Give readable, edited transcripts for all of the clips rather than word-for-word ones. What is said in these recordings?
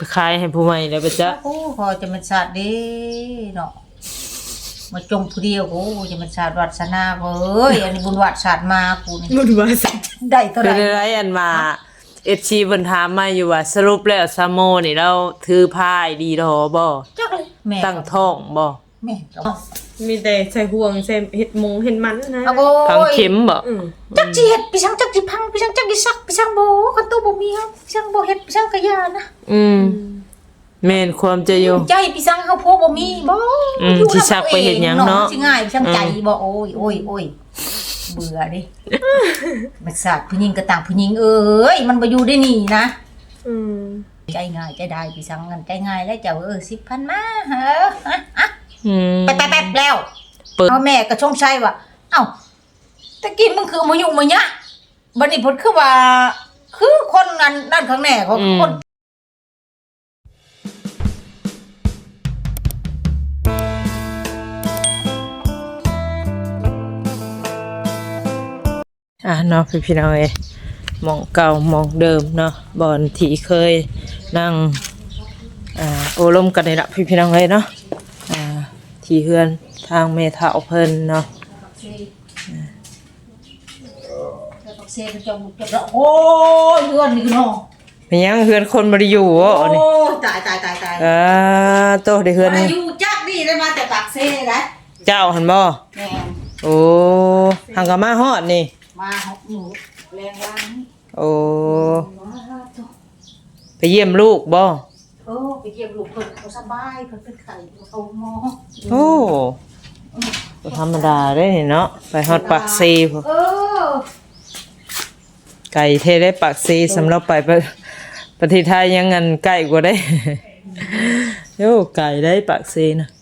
ไปขายให้ผู้ใหม่แล้วไปจ้ะโอ้พอจะมันศาสตร์เด้เนาะมาจงผู้เดียวโอ้จะมันศาสตร์วัฒนาเว้ยอันนี้บุญวัดศาสตร์มากูนี่บุญวาสได้เท่าไหคือร่ได้อันมาFC เพิ่นถามมาอยู่ว่าสรุปแล้วซาโมนี่เราถือพายดีดอบ่จักเลยแม่ตั้งท้องบ่แม่ก็มีแต่ใส่ห่วงใส่เห็ดมงเห็ดมันนะเอาโอ้พังยเข็มบ่จักสิเฮ็ดพี่ช่างจักสิพังพี่ช่างจักสิซักพี่ช่างบ่คันตู้บ่มีเฮาพี่ช่างบ่เฮ็ดพี่ช่างก็ย่านะแม่นความจะอยู่ใจพี่ช่างเฮาพอบ่มีบ่สิซักไปเฮ็ดหยังเนาะสิง่ายพี่ช่างใจบ่โอ้ยโอ้ยโอ้ยเบื่อดิมันศาสตร์ผู้หญิงก็ต่างผู้หญิงเอ้ยมันบ่อยู่ได้นี่นะใจง่ายใจได้พี่ช่างงั้นใจง่ายแล้วเจ้า10,000มาเฮ้อแป๊บๆแล้วเปิดเอาแม่ก็ชงชัยว่าเอ้าตะกี้มึงคือมายุ่งมาเนี่ยบัดนี้เพิ่นคือว่าคือคนนั้นด้านข้างแน่ของคนเนาะพี่น้องเอ้ยหมองเก่าหมองเดิมเนาะบ่อนที่เคยนั่งโอ้ลมกันนี่ล่ะพี่น้องเอ้ยเนาะที่เฮือนทางแม่เฒ่าเพิ่นเนาะโอ้ยเฮือนนี่คือน้องเป็นหยังเฮือนคนบ่ได้อยู่บ่โอ้นี่ยตายโตได้เฮือนอายุจักนี่ได้มาแต่ปากเซ่ได้เจ้าหั่นบ่แม่โอ้หังก็มาฮอดนี่มาหกหนูแรงล้างโอ้ไปเยี่ยมลูกบ่ไปเยี่ยมลูกเพิ่นเขาสบายเพิ่นเป็นไข้เขาหมอโอ้บ่ธรรมดาเด้นี่เนาะไปฮอดปากซีพุ่นไก่เทได้ปากซีสำหรับไปประเทศไทยยังงันไก่กว่าได้ โย่ไก่ได้ปากซีนะ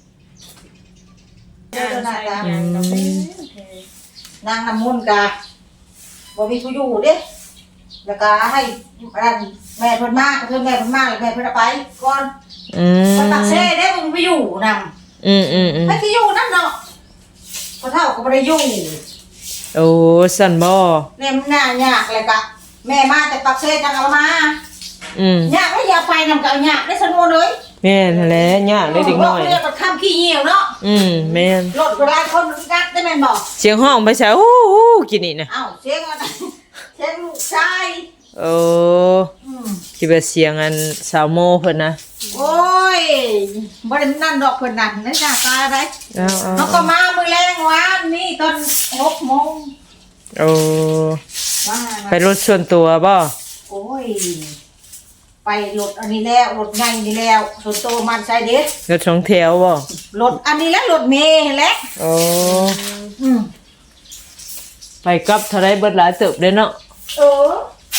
นางน้ำมนต์กะบ่มีผู้อยู่เด้แล้วก็ให้อันแม่เพิ่นมาเพิ่นแม่เพิ่นมาแล้วแม่เพิ่นเอาไปก่อนคนตักเซ่เด้มึงไปอยู่นำไปที่อยู่นั่นเนาะพอเท่าก็บ่ได้อยู่โอ้สันบ่แม่มันน่ายากเลยกะแม่มาแต่ปักเซ่จังเอามายากแล้วอย่าไปนำกับยากได้สนวนเลยแม่นแหละยากได้เด็กน้อยเรียกว่าข้ามขี้เหี่ยวเนาะแม่นรถก็หลายคนกัดได้แม่นบ่เสียงห้องไปใช่โอ้โหกินนี่นะเอ้าเสียงอะไรเสียงลูกชายโอ้คิดว่าเสียงอันสาวโมเพิ่นนะโอ้ยบ่ได้นั่นดอกเพิ่นนั่นนั่นหน้าตาอะไรเอาเขาก็มามื้อแรงวานนี่ตอน6 โมงโอ้ว่าไปรถส่วนตัวบ่โอ้ยไปรถอันนี้แล้วรถใหญ่นี่แล้วส่วนโตมันใส่เด็ดรถสองแถวบ่รถอันนี้แล้วรถเมล์แหละโอ้อืมไปกลับเท่าไรเบิดหลายเติบเด้เนาะเออ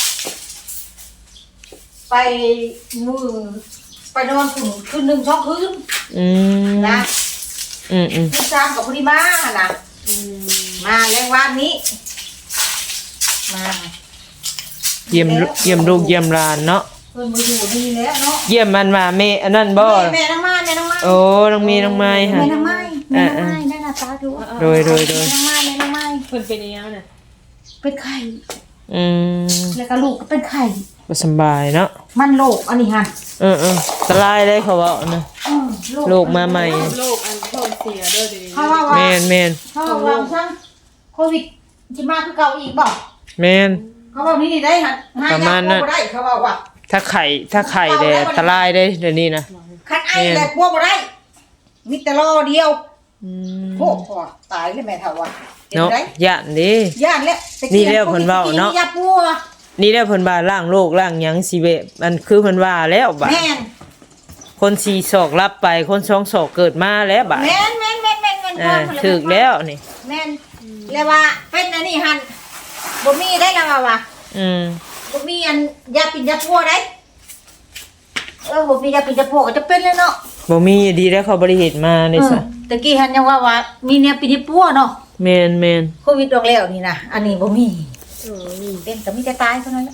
ไปมือไปนอนคืน1 2 คืนนะคืน3กับพอดีมาน่ะมาแรงวานนี้มาเยี่ยมลูกเยี่ยมหลานเนาะเพิ่นมาอยู่นี่แล้วเนาะเยี่ยมมันมาแม่อันนั้นบ่แม่น้องไม้โอ้น้องมีน้องไม้ค่ะแม่น้องไม้ได้หน้าตาดูโดยแม่น้องไม้เพิ่นเป็นยังไงน่ะเป็นไข่ แล้วก็ลูกก็เป็นไข่บ่สำบายเนาะมันโรคอันนี้ฮะตรายได้เขาเว้านะ โรคมาใหม่โรคอันท้องเสียเด้อเดี๋ยวนี้เขาว่าว่าแม่นเขาว่าซังโควิดสิมาคือเก่าอีกบ่แม่นเขาว่านี่ได้ฮะหายาบ่ได้เขาว่าว่าถ้าไข่แดดตรายได้เดี๋ยวนี้นะคันไอแล้วกลัวบ่ได้มีแต่รอเดียวโอ้โหตายเลยแม่เฒ่าว่าเนาะย่านดิย่านแล้วนี่แล้วเพิ่นเว้าเนาะยาปัวนี่แล้วเพิ่นว่าล้างโรคล้างหยังสิเวะมันคือเพิ่นว่าแล้วบัดแม่นคน4ศอกรับไปคน2ศอกเกิดมาแล้วบัดแม่นถูกแล้วนี่แม่นแล้วว่าเป็นอันนี้หั่นบ่มีได้แล้วว่า บ่มีอันยาปิดยาพัวได้บ่มียาปิดยาพัวก็จะเป็นเลยเนาะบ่มีดีแล้วเขาบ่ได้เฮ็ดมานี่ซะตะกี้หันยังว่ามีเนี่ยปิดยาพัวเนาะแม่นโควิดออกแล้วนี่นะอันนี้บ่มีเป็นก็มีแต่ตายเท่านั้นแหละ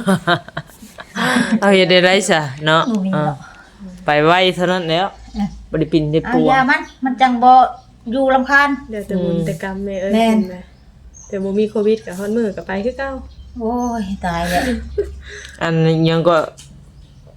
เอาเฮ็ดได้ไรซะเนาะบ่มีเนาะไปไวเท่านั้นแล้วบ่ได้ปิ่นได้เอาปัวยามันจังบ่อยู่รำคาญเดี๋ยวแต่บุญแต่กรรมแม่เอ้ยแม่นเห็นไหมแต่บ่มีโควิดกับฮอดมื้อก็ไปคือเก่าโอ้ยตายแล้วอันยังก็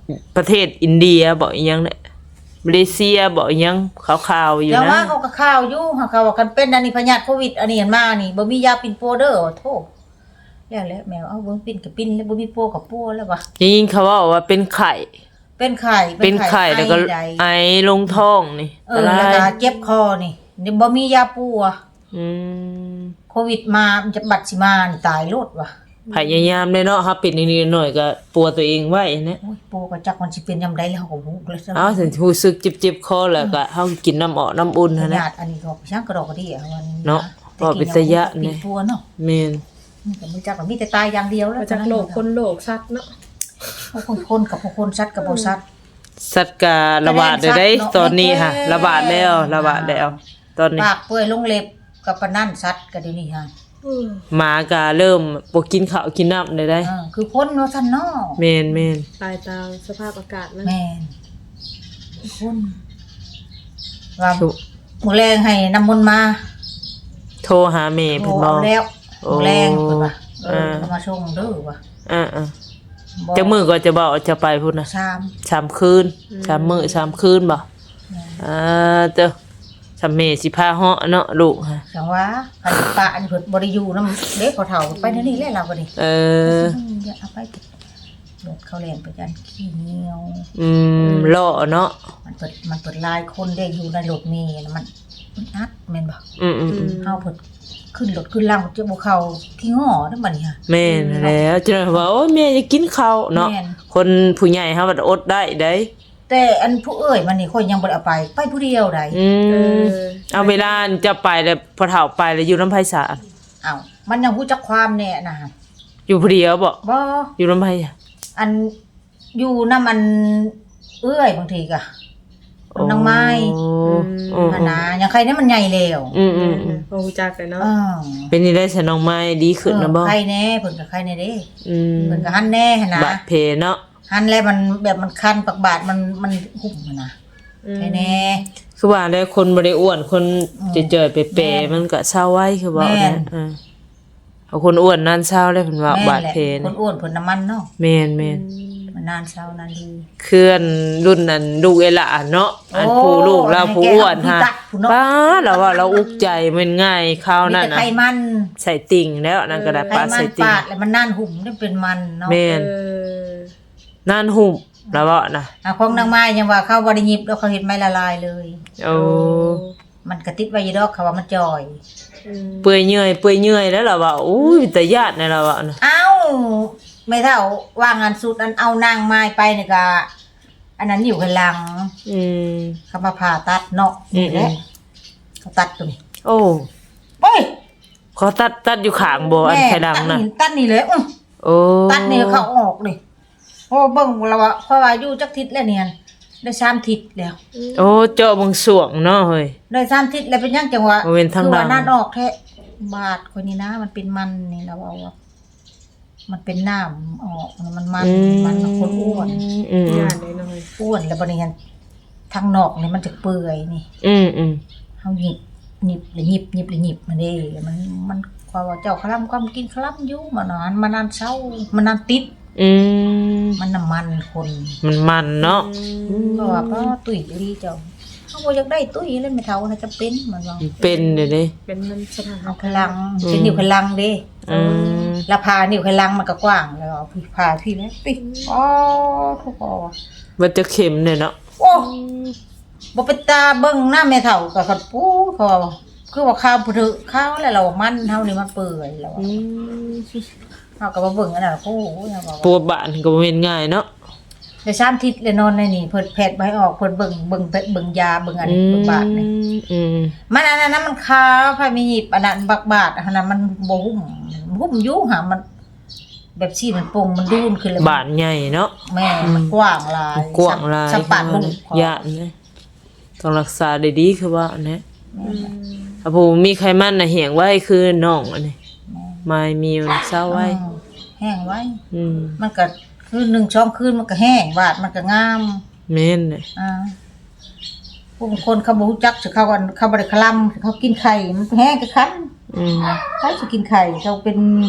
ประเทศอินเดียบ่อีหยังเนี่ยมาเลเซียบ่อีหยังขาวๆอยู่แต่นะว่าเขาก็ข่าวอยู่เขาว่าคันเป็นอันนี้พยาธิโควิดอันนี้เห็นมานี่บ่มียาปิ่นโปเด้อโธ่แล้วแมวเอาเบิ่งปิ่นกับปิ่นแล้วบ่มีโปกับโปแล้วว่ะยิ่งเขาว่าเป็นไข่เป็นไข้เป็นไข่แล้วก็ใดไอลงท้องนี่แล้วก็เจ็บคอนี่บ่มียาปูอ่ะอืมโควิดมามันจะบัดสิมานี่ตายโลดว่ะพยายามได้เนาะครับปิดนิดๆหน่อยก็ปัวตัวเองไว้นะโอ้ยปูก็จักมันสิเป็นยามใดแล้วเขาก็บ่รู้เลยเอาถึงรู้สึกเจ็บๆคอแล้วก็เฮากินน้ำออกน้ำอุ่นขหั่นนะนาดอันนี้ก็ช่างกระดอกกระดี่อะวันนี้เนาะแต่ว่าเป็นตะยะปินี่ดปัวเนาะแม่นมันก็บ่จักว่ามีแต่ตายอย่างเดียวแล้วมาจากโลกคนโลกสัตว์เนาะคนกับคนสัตว์กับบ่สัตว์สัตว์ก็ระบาดได้ตอนนี้ค่ะระบาดแล้วตอนนี้ปากเปื่อยลงเล็บกับปานนั่นสัตว์ก็เดี๋ยวนี้ฮะหมาก็เริ่มบ่กินข้าวกินน้ำได้คือคนว่าซั่นเนาะแม่นตายตามสภาพอากาศนะแม่นคนว่ามื้อแรงให้น้ำมนต์มาโทรหาแม่เพิ่นบ่เอาแล้วโอ้มื้อแรงเพิ่นว่าอ่าเอามาส่งเด้อว่ะอ่าๆจักมื้อก็จะบอกจะไปพุ่นน่ะชาม 3คืน3มื้อ3คืนบ่เจ้าสำเมสิพาเหาะเนาะลูกฮะจังว่าคันปะอันเพิ่นบ่ได้อยู่นำเด็กเขาเฒ่าไปเดี๋ยวนี้แหละเราก็ดิ อย่าเอาไปรถเขาแล่นไปจันขี้เหนียวเลาะเนาะมันเปิดลายคนได้อยู่ในรถเมล์น่ะมันอัดแม่นบ่ เฮาเพิ่นขึ้นรถขึ้นล่างจะบ่เข้าขี้ง้อเด้อบัดนี้ฮะแม่นแล้วจะว่าโอ้ยแม่จะกินข้าวเนาะแม่นคนผู้ใหญ่เฮาก็อดได้ได้แต่อันผู้เอ้ยมันนี่คนยังบ่ได้เอาไปผู้เดียวได้เอาเวลาจะไปแล้วพอเฒ่าไปแล้วอยู่น้ำไผสาอ้าวมันยังฮู้จักความแน่นะฮะอยู่ผู้เดียวบ่บ่อยู่น้ำไผอันอยู่นำมันเอ้ยบางทีก็นางไม้ อันน่ะยังใครเนี่ยมันใหญ่แล้วพอรู้จักเลยเนาะเป็นนี่ได้สน้องไม้ดีขึ้นนะบ่ใครแน่เพิ่นก็ใครแน่เด้มเพิ่นก็หันแน่หั่นนะบาดเพเนาะหันแล้วมันแบบมันคันปากบาดมันหุ่มหั่นนะใครแน่คือว่าแล้วคนบ่ได้อ้วนคนเจยๆเปะๆมันก็เศร้าไว้คือว่าแม่นเอาคนอ้วนนั่นเศร้าได้เพิ่นว่าบาดเพคนี่นอ้วนเพิ่นน้ำมันเนาะแม่นมันนานเช้านานดีเคลื่อนรุ่นนั้นลูกเอละเนาะอันโอ้ผู้ลูกเราผู้อ้วนฮะให้แกเอาผู้ตัดผู้เนาะป้าเราว่าเราอุกใจมันง่ายข้าวมีนั่นแต่น่ะไขมันใส่ติ่งแล้วนั่นก็ได้ไขปลามัใส่นติ่งปาดแล้วมันน่านหุ่มได้เป็นมันเนาะแม่นนั่นหุ่มแล้วว่านะของนางไม้ยังว่าเขาบ่ได้หยิบแล้วเขาเฮ็ดไม้ละลายเลยโอ้มันกระติดไว้อยู่ดอกเขาว่ามันจ่อยเปื่อยเนื่อยแล้วเราว่าอุ้ยแต่ญาติในเราว่านะเอ้าไม่เท่าว่างานสุดอันเอานางไม้ไปนี่ก็อันนั้นอยู่ข้างหลังอืมเขามาผ่าตัดเนาะนี่แหละเขาตัดตรงนี้โอ้โอ้ยเขาตัดอยู่ข้างบ่อันไข่ดังน่ะตัดนี่เลยโอ้ตัดนี่เขาออกนี่โอ้เบิ่งแล้วว่าเพราะว่าอยู่จักทิศแล้วเนี่ยได้3ทิศแล้วโอ้เจาะบางสวงเนาะเฮ้ยได้3ทิศแล้วเป็นยังจังหวะเอาเว้นทางหลังคือว่านั่นออกแท้บาดคนนี้นะมันเป็นมันนี่แล้วเอาว่ามันเป็นน้ำออกมันคนอ้วนญาติเลยหน่อยอ้วนแล้วบัดนี้หั่นทางนอกนี่มันจะเปื่อยนี่ เฮาหยิบมันเด้มันว่าเจ้าคลำความกินคลำอยู่มานานเช้ามันนานติดมันน้ำมันคนมันเนาะเพราะว่าตุ้ยลีเจ้าเฮาบ่อยากได้ตุ้ยเลยไม่เท่าน่าจะเป็นมันว่าเป็นเด้เด้เป็นมันสถานเอาพลังเป็นนิ้วพลังเด้แล้วพานิ้วพลังมันก็กว้างแล้วเอาพาพี่แล้วปิอ๋อทุกอ๋อมันจะเข็มเนี่ยเนาะโอ้บ่เป็นตาเบิ่งหน้าแม่เฒ่าก็คันปูเขาว่าคือว่าข้าวผู้ถือข้าวแล้วเรามันเฮานี่มันเปื่อยแล้วเฮาก็บ่เบิ่งอันนั้นโอ้โหเฮาก็ปัวบ้านก็บ่แม่นง่ายเนาะได้3ทิศเลยนอนในนี่เพิ่นแพทย์บ่ให้ออกเพิ่นเบิ่งยาเบิ่งอันนี้เบิ่งบาดนี่มันอันนั้นมันขาวไผมีหยิบอันนั้นบักบาดอันนั้นมันบ่หุ้มอยู่หามันแบบซี่มันโป่งมันดูนขึ้นเลยบ้านใหญ่เนาะแม่มันกว้างหลายกว้างหลายสัมปันบุ้งญาตินะต้องรักษาได้ดีคือว่าอันนี้ถ้าผู้มีไขมันน่ะเหี่ยงไว้คือน้องอันนี้ไม่มีมันเศร้าไว้แห้งไว้มมันก็คือ1-2คืนมันก็แห้งวาดมันก็งามแม่นเลยผู้บางคนเขาบ่รู้จักสิเขาก็เขาบ่ได้คลำเขากินไข่มันแห้งก็คันใครสิกินไข่เขาเป็น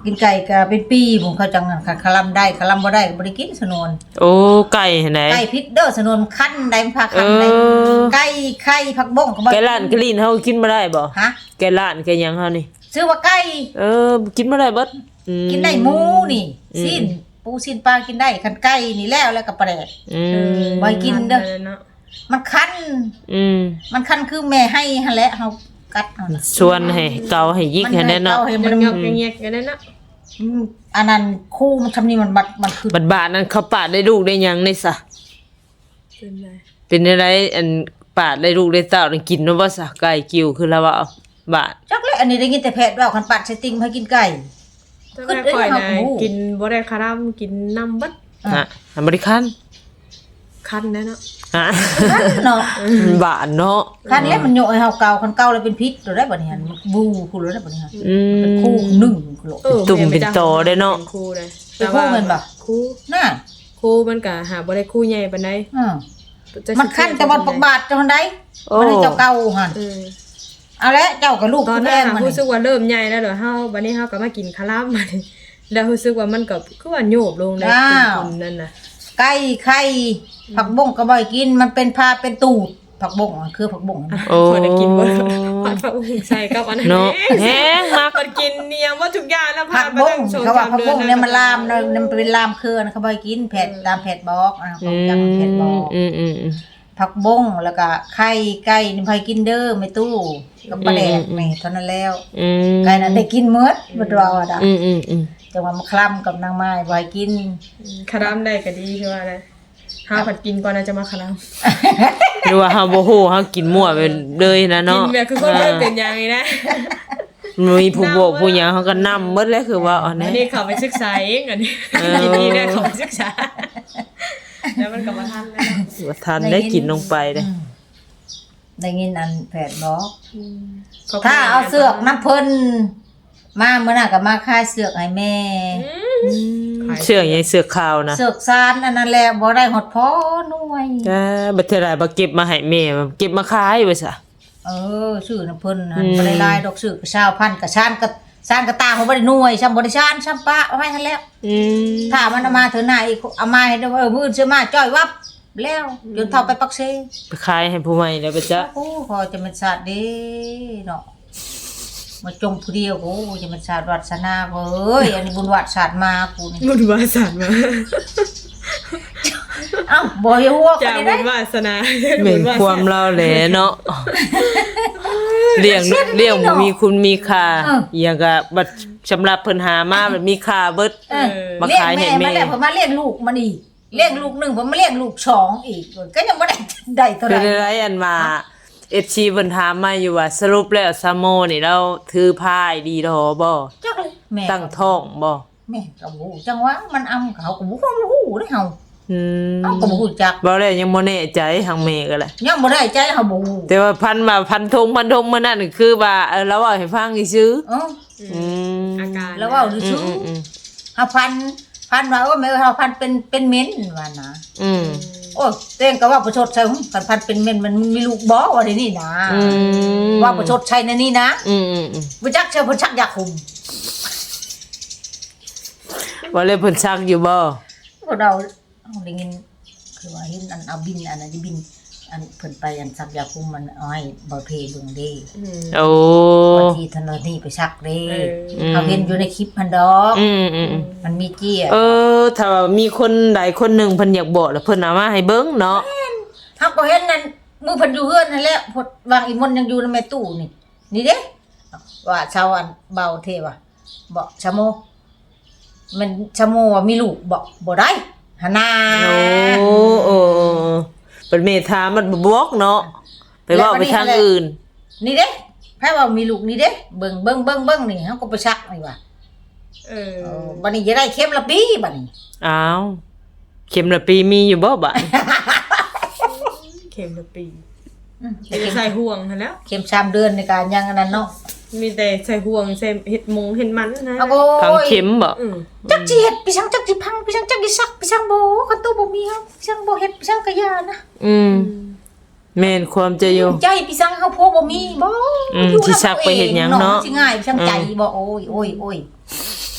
กินไก่ก็เป็นปีผมเขาจังนั้นคลำได้คลำบ่ได้ก็บ่ได้กินสนวนโอ้ไก่ไหนไก่พิษเด้อสนวนคั้นได้มันพาคั้นได้ไก่ไข่ผักบ้งก็บ่ไก่ล้านไก่ลีนเฮากินบ่ได้บ่ฮะไก่ล้านไก่หยังเฮานี่ชื่อว่าไก่กินบ่ได้เบิดกินได้หมูนี่สิ้นปูสิ้นปลากินได้คันไก่นี่แล้วก็ปลาแดก บ่กินเด้อ มันคั้นมันคั้นคือแม่ให้หั่นแหละเฮากัดเอานะชวนให้เกาให้ยิกให้แน่เนาะมัให้มัมัน นยอกเงียกๆกันนั่นน่ะอันนั้นคู่มันทำนี่มันมันคือบาดนั้นเขาปาดได้ลูกได้หยังได้ซะเป็นไรเป็นอะไรอันปาดได้ลูกได้เต้าได้กินเนาะบ่ซะไก่กิ้วคือแล้วว่าเอาบาดจักเลยอันนี้ได้ยินแต่แพทย์ว่าคันปัดใส่ติ่งให้กินไก่ถ้าแม่ข่อยนะกินบ่ได้คาร่ำกินน้ำบัดฮะอเมริกันคันแน่เนาะฮะคันเนาะบาดเนาะคันแล้วมันโยกให้เฮาเกาคันเกาแล้วเป็นพิษตัวได้บัดนี้มันบูคูแล้วได้บัดนี้ เป็นมคู่หนึ่งคือโลตุ่มเป็นตอได้เนาะป็คู่เลยเป็นคู่เหมือนบ่คู่น่ะคู่มันก็หาบ่ได้คู่ใหญ่ปานใดมันคันแต่บ่ปักบาทจังได๋โอ้มันให้เจ้าเก่าหั่น เอาละเจ้ากับลูกตอนแพนั้นงมันรู้สึกว่าเริ่มใหญ่แล้วเดี๋ยวเฮาบัดนี้เฮาก็มากินคาร่ำมานี่แล้วรู้สึกว่ามันก็คือว่าโยบลงได้กินนั่นน่ะไก่ไข่ผักบ้งก็บ่ให้กินมันเป็นพาเป็นตูดผักบ้งคือผักบ้งโอ้พอได้กินบ่ผัดผักบุ้งใส่กับอันนั้นเนาะแฮงมากมันกินเนียมว่าทุกอย่างแล้วผักบ้งเขาว่าผักบ้งเนี่ยมันลามมันเป็นลามเครือนะเขาบ่ให้กินแผดตามแผดบอกของจังแผดบอกอืมผักบ้งแล้วก็ไข่ไก่นี่ไผกินเด้อไม่ตู้กับปลาแดกนี่เท่านั้นแล้ว ไก่นั้นได้กินหมดบ่ว่าว่าดะอืมจังว่ามาคล้ำกับนางไม้บ่ให้กินคาร่ำได้ก็ดีคือว่าอะไรเฮาผัดกินก่อนนะจะมาคาร่ำหรือว่าเฮาบ่ฮู้เฮากินมั่วไปเลยนะกิเนาะนแบบคือคนเริ่มเป็นอย่างนี้นะมีผู้บอกผู้หยังเฮาก็นำหมดแล้วคือว่าอันอันี้นนี้เขาไปศึกษาเองอันนี้กินนี่ได้เขาไปศึกษาแล้วมันก็มาทันแล้วว่าทันได้กินลงไปเด้ได้ยินอันแผดบอก ถ้าเอาเสือกน้ำเพิ่นมาเมื่อน่ะก็มาค่ายเสือกให้แม่เสื้อใหญ่เสื้อขาวนะเสือกซานอันนั้นแหละบ่ได้หดพอหน่วยแต่บัดเทอไรบ่เก็บมาให้แม่เก็บมาขายไว้ซะชื่อน้ำเพิ่นหันบ่ได้ลายดอกชื่อก็20,000ก็ชานก็ซานก็ตาเขาบ่ได้หน่วยซ้ำบ่ได้ชานซ้ำปะเอาไว้หั่นแล้วถ้ามันเอามาเถอะหน้าอีกเอามาให้ได้ว่ามื้ออื่นซื้อมาจ้อยวับแล้วจนเท่าไปปักเซไปขายให้ผู้ใหม่แล้วบ่จ๊ะโอ้พอจะเป็นศาสตร์เด้เนาะมาจงผู้เดียวโอ้จะเป็นศาสตร์วัดศาสนาเว้ยอันนี้บุญวัดศาสตร์มากูนี่บุญวาสนาเอ้าบ่อย่าหัวกัจาน กนี่บุได้ญวาสนาแม่นความเราแหละเนาะเลี้ยงมีคุณมีค่าอย่างก็บัดสำหรับเพิ่นหามามันมีค่าเบิด มาเลี้ยงขายให้แม่แม่มาแล้วผมมาเลี้ยงลูกมันอีกเลี้ยงลูกหนึ่งผมมาเลี้ยงลูกสองอีกก็ยังบ่ได้เท่าไหเป็นร่อะไรอันมาFC เพิ่นถามมาอยู่ว่าสรุปแล้วซาโมนี่เราถือพายดีดอบ่จักเลยแม่ตั้งท้องบ่แม่ก็บ่ฮู้จังว่ามันอำเขาก็บ่ฮู้เด้เฮา เฮาก็บ่ฮู้จักบ่แล้วยังบ่แน่ใจทางแม่ก็แหละยังบ่ได้ใจเฮาบ่ฮู้แต่ว่าพันธงมื้อนั้นคือว่าเราเว้าให้ฟังซื่อเอออาการแล้วเว้าซื่อเฮาพันว่าแม่เฮาพันเป็นเม้นว่านะ โอ้ยเต้งก็ว่าประชดใช่หึกันพันเป็นเม่นมันมีลูกบ่ว่าเดี๋ยวนี้นะว่าประชดใช่ในนี่นะบ่จักเชื่อเพิ่นชักอยากคุมว่าเลยเพิ่นซักอยู่บ่พวกเราเอาได้ยินคือว่าเห็นอันเอาบินอันนั้นบินอันเพิ่นไปอันชักอยากคุมมันเอาให้บ่เพเบิ่งเด้โอ้บางทีถนนนี่ไปชักเด้เขาเห็นอยู่ในคลิปมันดอกมันมีเจี้ยถ้าว่ามีคนใดคนหนึงเพิ่นอยากบอกแล้วเพิ่นเอามาให้เบิ่งเนาะเฮาก็เห็นนั่นมือเพิ่นอยู่เฮือนนั่นแหละพดวางอีมนต์ยังอยู่ในแม่ตู้นี่นี่เด้ว่าชาวอันเบาเทว่ะบ่ชะโมมันชะโมว่ามีลูกบ่ได้หนนาโอ้เป็นเมธามันบ่บอกเนาะไปเว้าไปทางอื่นนี่เด้ไผว่ามีลูกนี่เด้เบิ่งนี่เฮาก็ไปชักนี่ว่ะบัดนี้จะได้เข็มละปีบัดนี้อ้าวเข็มละปีมีอยู่บ่บัดเข็มละปีใส่ห่วงหั่นแล้วเข็ม3เดือนในการยังอันนั้นเนาะมีแต่ใส่ห่วงใส่เห็ดมงเห็ดมันนะโอ้พังยเข็มบ่จักสิเฮ็ดไปชังจักสิพังไปชังจักสิซักไปชังบ่คันตู้บ่มีเฮาไปชังบ่เฮ็ดไปชังกะยานะแม่นความจะอยู่ใจไปชังเฮาพวกบ่มีบ่สิซักไปเฮ็ดหยังเนาะสิง่ายไปชังใจบ่โอ้ย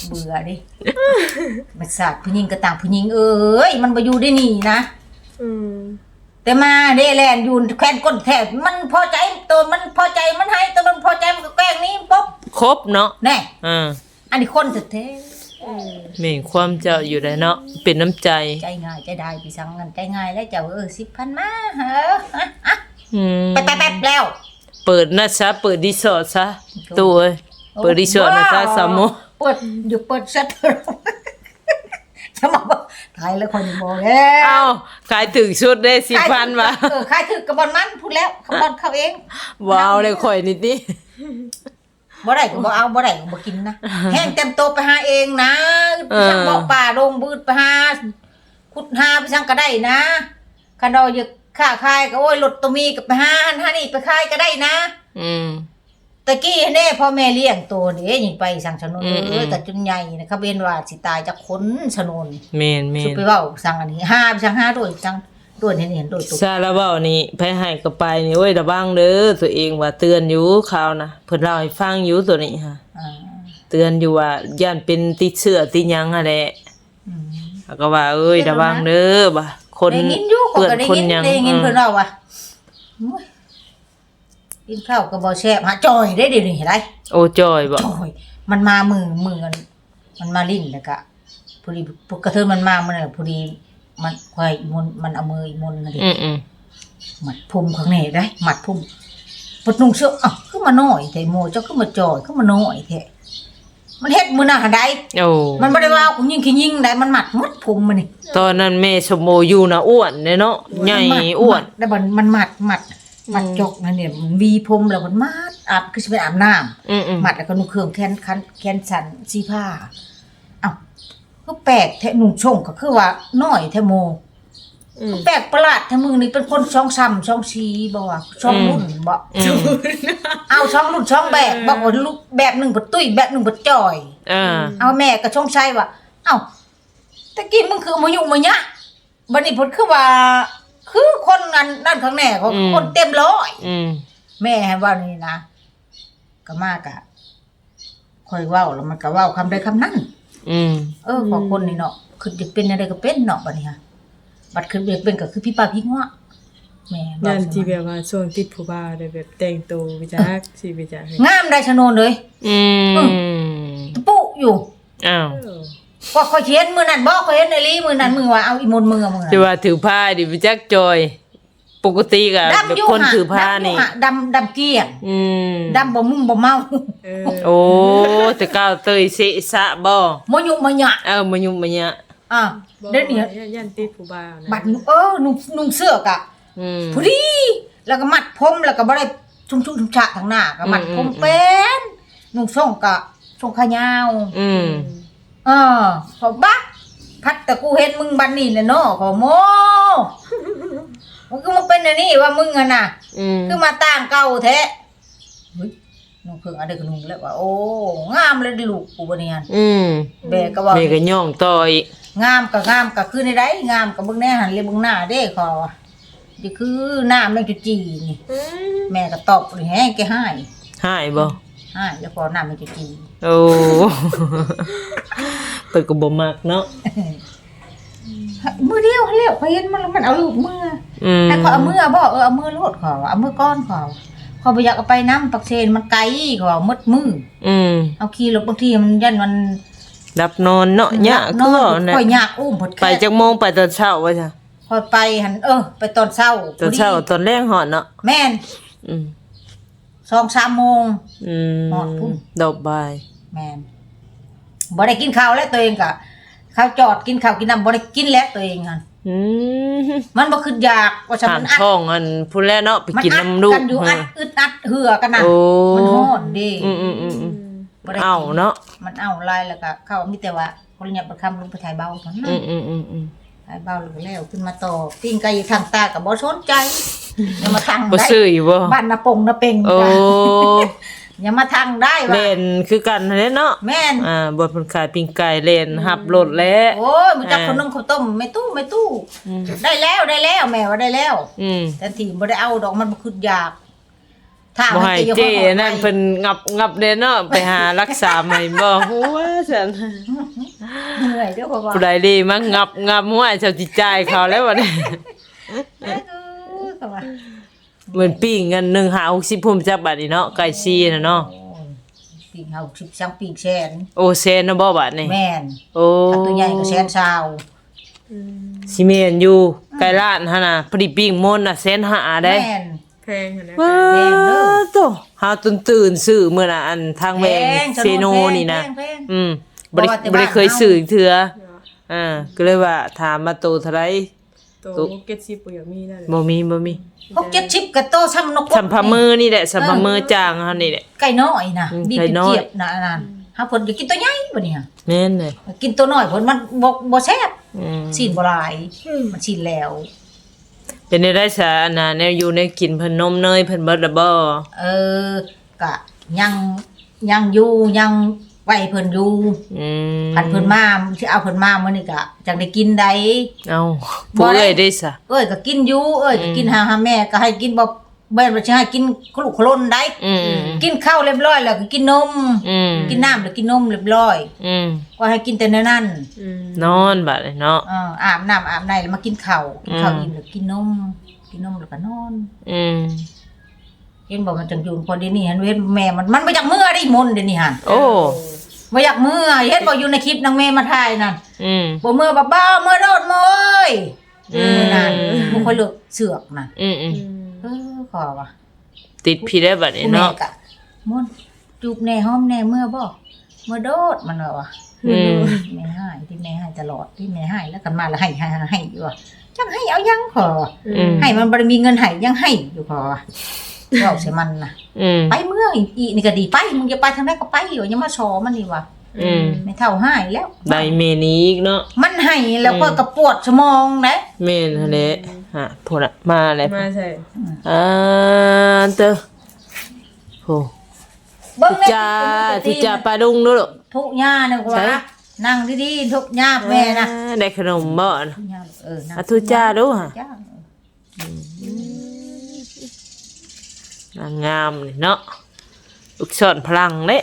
เบื่อดิบัดซาดผู้หญิงก็ต่างผู้หญิงเอ้ยมันบ่อยู่ได้นี่นะอืมแต่มาเด้แลนอยู่แควนก้นแท้มันพอใจตัวมันพอใจมันให้ตัวมันพอใจมันก็แกล้งนี้ปุ๊บครบเนาะแน่อ่าอันนี้คนแท้มีความเจ้าอยู่ได้เนาะเป็นน้ำใจๆใจง่ายใจได้พี่สังกันใจง่ายแล้วเจ้า10,000มาเหรออืมแป๊บๆแล้วเปิดนะซะเปิดรีสอร์ทซะตู้เอ้ยเปิดรีสอร์ทนะซะสามโมเปิดอยู่เปิดชัตเตอร์จะมาบอกขายแล้วคนบอกแล้วเอ้าขายถึงชุดได้10,000ว่ะขายถึงกระบอนมันพูดแล้วกระบอนเขาเองว้าวเลยข่อยนิดนี้บ่ได้ก็บ่เอาบ่ได้ก็บ่กินนะแห้งเต็มโตไปหาเองนะช่างบอกป่าลงบืดไปหาขุดหาไปช่างก็ได้นะคันเราอยากค้าขายก็โอ้ยรถตัวมีก็ไปหาหันหานี่ไปขายก็ได้นะอืมตะกี้แน่พ่อแม่เลี้ยงตัวเด้ยิงไปสั่งชะนนอืมแต่จนใหญ่นะเขาเว้นว่าสิตายจากคนชะนนเมนสุไปเว้าสั่งอันนี้ห้าไปสั่งห้าด้วยสั่งด้วยเห็นด้วยตัวซาลาเว้านี่ไปให้ก็ไปนี่โอ้ยระวังเด้อตัวเองว่าเตือนอยู่ข่าวนะเพิ่นเล่าให้ฟังอยู่ตัวนี้ค่ะอ่าเตือนอยู่ว่าย่านเป็นติดเชื้อติดหยังอะแหละอืมแล้วก็ว่าเอ้ยระวังเด้อบ่ะคนได้ยินอยู่เขาเปื้อนก็ได้คนยินหยังได้ยินเพิ่นเล่าว่าโอ้ยกินข้าวก็บ่แซ่บหาจอยได้เดี๋ยวนี้เห็นไหมโอ้จอยบ่จอยมันมามือกันมันมาลิ้นแล้วก็พอดีพวกกระเทยมันมามันน่ะพอดีมันควายมนมันเอามืออีมนน่ะดิอืมหมัดพุ่มข้างในได้หมัดพุ่มปดนุ่งเสื้ออ้าวขึ้นมาน้อยแต่โมเจ้าขึ้นมาจอยขึ้นมาน้อยแท้มันเฮ็ดมือหน้าใดโอ้มันบ่ได้ว่ากูยิงขี้ยิงได้มันหมัดหมดพุ่มมันนี่ตอนนั้นแม่สมโมอยู่นะอ้วนเนาะใหญ่อ้วนแล้วมันหมัดจกนั่นเนี่ยมันวีพุ่มแล้วมันมัดอาบคือสิไปอาบน้ำอืมหมัดแล้วก็นุ่งเครื่องแขนสันสีผ้าอ้าวก็แปลกแท้นุ่งชงก็คือว่าน้อยแท้โมอืมแปลกประหลาดถ้ามึงนี่เป็นคนช่องซ้ำช่องชีบ่ว่าช่องรุ่นบ่อืมเอาช่องรุ่นช่องแบบบ่ว่าลูกแบบหนึงบ่ตุ้ยแบบหนึงบ่จ่อย เอาแม่ก็ช่องชัยว่าเอ้าตะกี้มึงคือมายุ่งมายะบัดนี้เพิ่นคือว่า คือคนนั้นด้านข้างแน่ของคนเต็มร้อยอืมแม่ให้ว่านี่นะก็มากะค่อยเว้าแล้วมันก็เว้าคำใดคำนั้นอืมของคนนี่เนาะคือจะเป็นอะไรก็เป็นเนาะบัดนี้ฮะบัดคือเด็กเป็นก็คือพี่ป้าพี่ง้อแม่ว่านั่นที่แบบว่าช่วงติดผู้บ่าวได้แบบแต่งตัวไปจักสิไปจักให้งามได้ชะโนนเลยอืมตะปุอยู่อ้าวเออก็ค่อยเห็นมื้อนั้นบ่ค่อยเห็นในลีมื้อนั้นมึงว่าเอาอีมนต์มึงอะมึงจะว่าถือผ้าดิไปจักจอย ปกติก็ดำอยู่คนถือผ้านี่ดำเกลี้ยงอืมดำบ่มุ่งบ่เมาเออโอ้แต่ก้าวเตยเสะสะบ่บ่ยุบ่หยะมายุ่มมาเนี่ยอ่ะเดี๋ยวนี้ยันติดผู้บ่าวนะบัดนุ่งเสื้อกะอืมพอดีแล้วก็มัดผมแล้วก็บ่ได้ชุ่มๆฉะทางหน้าก็มัดผมเป็นนุ่งส่งกะส่งขายาวอืมขอบักพัดแต่กูเห็นมึงบัดนี้น่ะเนาะขอโมมันก็มาเป็นอันนี้ว่ามึงอะน่ะอืมคือมาต่างเก่าแท้เฮ้ยนุ่งเครื่องอะไรก็นุ่งแล้วว่าโอ้งามเลยดิลูกกูบ่เนี่ยอืมแบกก็ว่าแม่ก็ย่องต่ออีกงามก็คือในใดงามก็เบิ่งแน่หันเลยเบิ่งหน้าเด้ขอว่านี่คือหน้าแม่งจุจีนี่อืมแม่ก็ตอบเลยแฮงแกให้หายบ่ให้แล้วพอหน้าแม่งจุจีโอ้ เปิดก็บ่มักเนาะมือเดียวเร็วเขาเห็นมันเอาลูกมืออืมแต่ขอเอามือบ่เอามือโลดขอเอามือก้อนขอบ่อยากเอาไปน้ำปักเชนมันไกลขอมดมืออืมเอาขี่รถบางทีมันยันมันดับนอนเนาะยะนคืออนว่าน่ะค่อยยากอุ้มพดไปจักโมงไปตอนเช้าว่าจ้ะค่อยไปหันไปตอนเช้าตอนเช้าตอนแรงหอดเนาะแม่นอืม 2-3 โมงอืมหอดพุ่นดอกบายแม่นบ่ได้กินข้าวแล้วตัวเองก็ข้าวจอดกินข้าวกินน้ำบ่ได้กินแล้วตัวเองหั่นอืมมันบ่คืออยากว่าฉันถามมันอัดท้องอันพุ่นแล้วเนาะไปมันกินอัดน้ำลูกกันอยู่อัดอึดอัดเหือกันน่ะโอ้มันฮ้อนเด้อืมบ่ได้กินเอาเนาะมันเอาลายแล้วก็เข้ามีแต่ว่าคนเนี่ยประคำลงไปถ่ายเบาเท่านั้นอืมถ่ายเบาแล้วขึ้นมาต่อปิ้งไก่อยู่ทางตาก็บ่สนใจอย่ามาทางบ่ได้ซื้ออยู่บ่บ้านนาปงนาเป่งโอ้จ้ะอย่ามาทางได้ว่าเล่นคือกันนั่นแหละเนาะแม่นบ่เพิ่นขายปิ้งไก่เล่นหับรถแล้วโอ้ยมันจักขนมข้าวต้มไม่ตู้อืมได้แล้วแม่ว่าได้แล้วอืมแต่ที่บ่ได้เอาดอกมันบ่คืออยากถ้าบ่มันให้จะอยู่เจ้ห้องนั่นเพิ่นงับเด้เนาะไปหารักษาใหม่บ่ฮู้ว่าซั่นเหนื่อยเด้อพ่อว่าผู้ใดดีมางับหัวเจ้าสิจ่ายเขาแล้วบัดนี้ก็ว่าเหมือนปิ้งกัน1 5 60พุ่มจักบาทนี่เนาะไก่ซีน่ะเนาะปีกเฮา10ปีกแสนโอเซนนะบ่บาดนี่แม่นโอ้ถ้าตัวใหญ่ก็แสนชาวสิแม่นอยู่ไก่ล้านหั่นน่ะพอดีปิ้งมนน่ะ150,000ได้แม่นแพงหั่นนะว้าแพงเด้อโตหาตื่นซื้อมื้อน่ะอันทางแวงแพงเซโนนี่นะแพงบ่ได้บ่ว่าแต่บ่ได้บ้านเคยซื้ออีกเทื่อก็เลยว่าถามมาโตเท่าไหร่โตเก็ตซิปบ่อยากมีนั่นแหละบ่มี 60-70กะโตซ้ำนกสัมภามือนี่แหละสัมภามือจางเฮานี่แหละไก่น้อยน่ะอืมดีไก่เป็นน้อยเจี๊ยบน่ะนั่นหาเพิ่นจะกินตัวใหญ่บ่นี่ฮะแม่นเลยกินตัวน้อยเพิ่นมันบ่แซ่บอืมสินบ่หลายมันสินแล้วเป็นได้ซะอันน่ะแนวอยู่ในกินเพิ่นนมเนยเพิ่นเบิดละบ่ก็ยังอยู่ยังไว้เพิ่นอยู่อืมคันเพิ่นมาสิเอาเพิ่นมามื้อนี้ก็จังได้กินได้เอาผู้เอ้ยได้ซะก็กินอยู่ก็กินหาแม่ก็ให้กินบ่แม่นว่าสิให้กินคลุกคลนได้อืมกินข้าวเรียบร้อยแล้วก็กินนมอืมกินน้ำแล้วกินนมเรียบร้อยอืมก็ให้กินแต่ในนั้นนอนบัดนี้เนาะอาบน้ำอาบในแล้วมากินข้าวกินข้าวอืมอิ่มแล้วกินนมแล้วก็นอนอืมเห็นบอกมันจังอยู่พอเดี๋ยวนี้เห็นเว้นแม่มันบ่อยากเมื่อได้มนต์เดี๋ยวนี้หั่นโอ้บ่อยากเมื่อเห็นบอกอยู่ในคลิปนางแม่มาถ่ายนั่นอืมบ่เมื่อบ้าเมื่อโดดโมยอืมนั่นบ่ค่อยเลิกเสือกน่ะอืมขอว่าติดพี่ได้บัดนี้ผู้แม่เนาะก็มนต์จูบแน่หอมแน่เมื่อบ่เมื่อโดดมันว่าอืมแม่ให้ที่แม่ให้ตลอดที่แม่ให้แล้วกันมาแล้วให้อยู่ว่าจังให้เอายังขออืมให้มันบ่ได้มีเงินให้ยังให้อยู่ขอว่าเว้าใส่มันน่ะอืมไปเมื่ออีนี่ก็ดีไปมึงจะไปทางไหนก็ไปอยู่อย่ามาชอมันนี่ว่ะอืมไม่เท่าให้แล้วได้เมนี้อีกเนาะมันให้แล้วก็กระปวดสมองนะแม่นหั่นแหละฮะพุ่นน่ะมาแล้วมาใส่เตอโหเบิ่งทุจ้าปลาดุงด้วยลูกทุกย่าเนี่ยใช่ว่านั่งดีๆทุกย่าแม่นะได้ขนมบ่ทุกย่านั่งอ่ะทุจ้าดูฮะจ้านางงามนี่เนาะลูกศรพลังเด้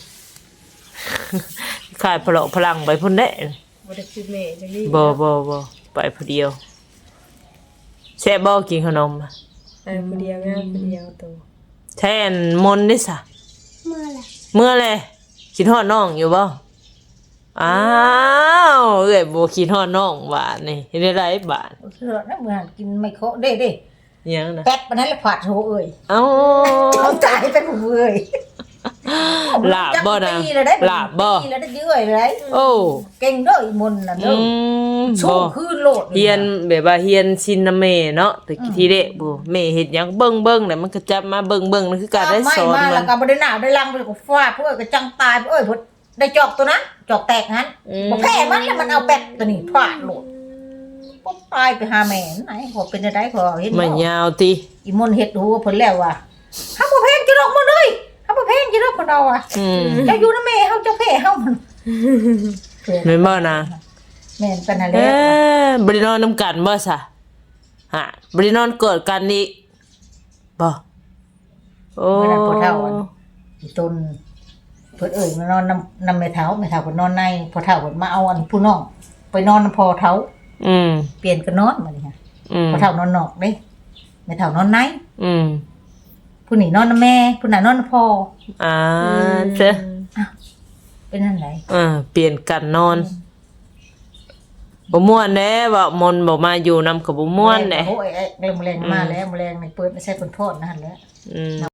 ขายพลังไปพุ่นเด้บ่ได้คิดแม่จังนี้บ่ไปผู้เดียวแซ่บบ่กินขนมไปผู้เดียวงามผู้เดียวโตแทนมนต์ได้ซะเมื่อแหละคิดฮอดน้องอยู่บ่อ้าวเอ้ยบ่คิดฮอดน้องบาดนี่เฮ็ดได้ไรบาดเสือนะเหมือนกินไม่โคเด้อิหยังนะแป๊บปานนั้นแล้วผาดโหเอ้ยเอ้าเขาตายเป็นผู้เอ้ยลาบบ่นะปีแล้วได้ลาบบ่ปีแล้วได้เยอะเลยโอ้เก่งเด้ออีมนต์น่ะเด้อ สู้บ่คืนโลดเฮียนแบบว่าเฮียนซินนะแม่เนาะแต่ทีเด็กบ่แม่เฮ็ดหยังเบิ่งแล้วมันก็จับมาเบิ่งนั่นคือการได้สอนไม่มามัแล้วนก็บ่ได้หน้าได้ลังไปก็ฟาดเพื่อก็จังตายเอ้ยพุ่นได้จอกตัวนั้นจอกแตกนั้นบ่แพ้มันแล้วมันเอาแป๊บตัวนี้ฟาดโลดปุ๊บตายไปหาแม่ไหนบ่เป็นได้ขอเห็นมันบ่ยาวติอีมนต์เฮ็ดหูเพิ่นแล้วว่าเฮาบ่แพงจิดอกมันเอ้ยเฮาบ่แพงจิดอกเพิ่นเอาอ่ะอืมเจ้าอยู่นำแม่เฮาเจ้าแพ้เฮามันแม่นบ่นะแม่นเป็นอะไรบ่ได้นอนนํกันบ่ซะฮะบ่ได้นอนกอดกันอีกบ่โอ้เมื่อนั้นพอเฒ่าอันอีต้นเพิ่นเอ้ยมานอนนำแม่เฒ่าเพิ่นนอนในพอเฒ่าเพิ่นมาเอาอันผู้น้องไปนอนนำพอเฒ่าอืมเปลี่ยนกันนอนมาดิค่ะอืมพอเฒ่านอนนอกเด้แม่เฒ่านอนในอืมผู้นี่นอนนำแม่ผู้น่ะนอนนำพ่อเจ้อเป็นนั่นไหนเปลี่ยนกันนอนบ่ม่วนแน่ว่ามนต์บ่มาอยู่นำกับบ่ม่วนแน่โอ้ยแรงมาแล้วแรงในเปิดไม่ใช่คนโทษนั่นแหละอืม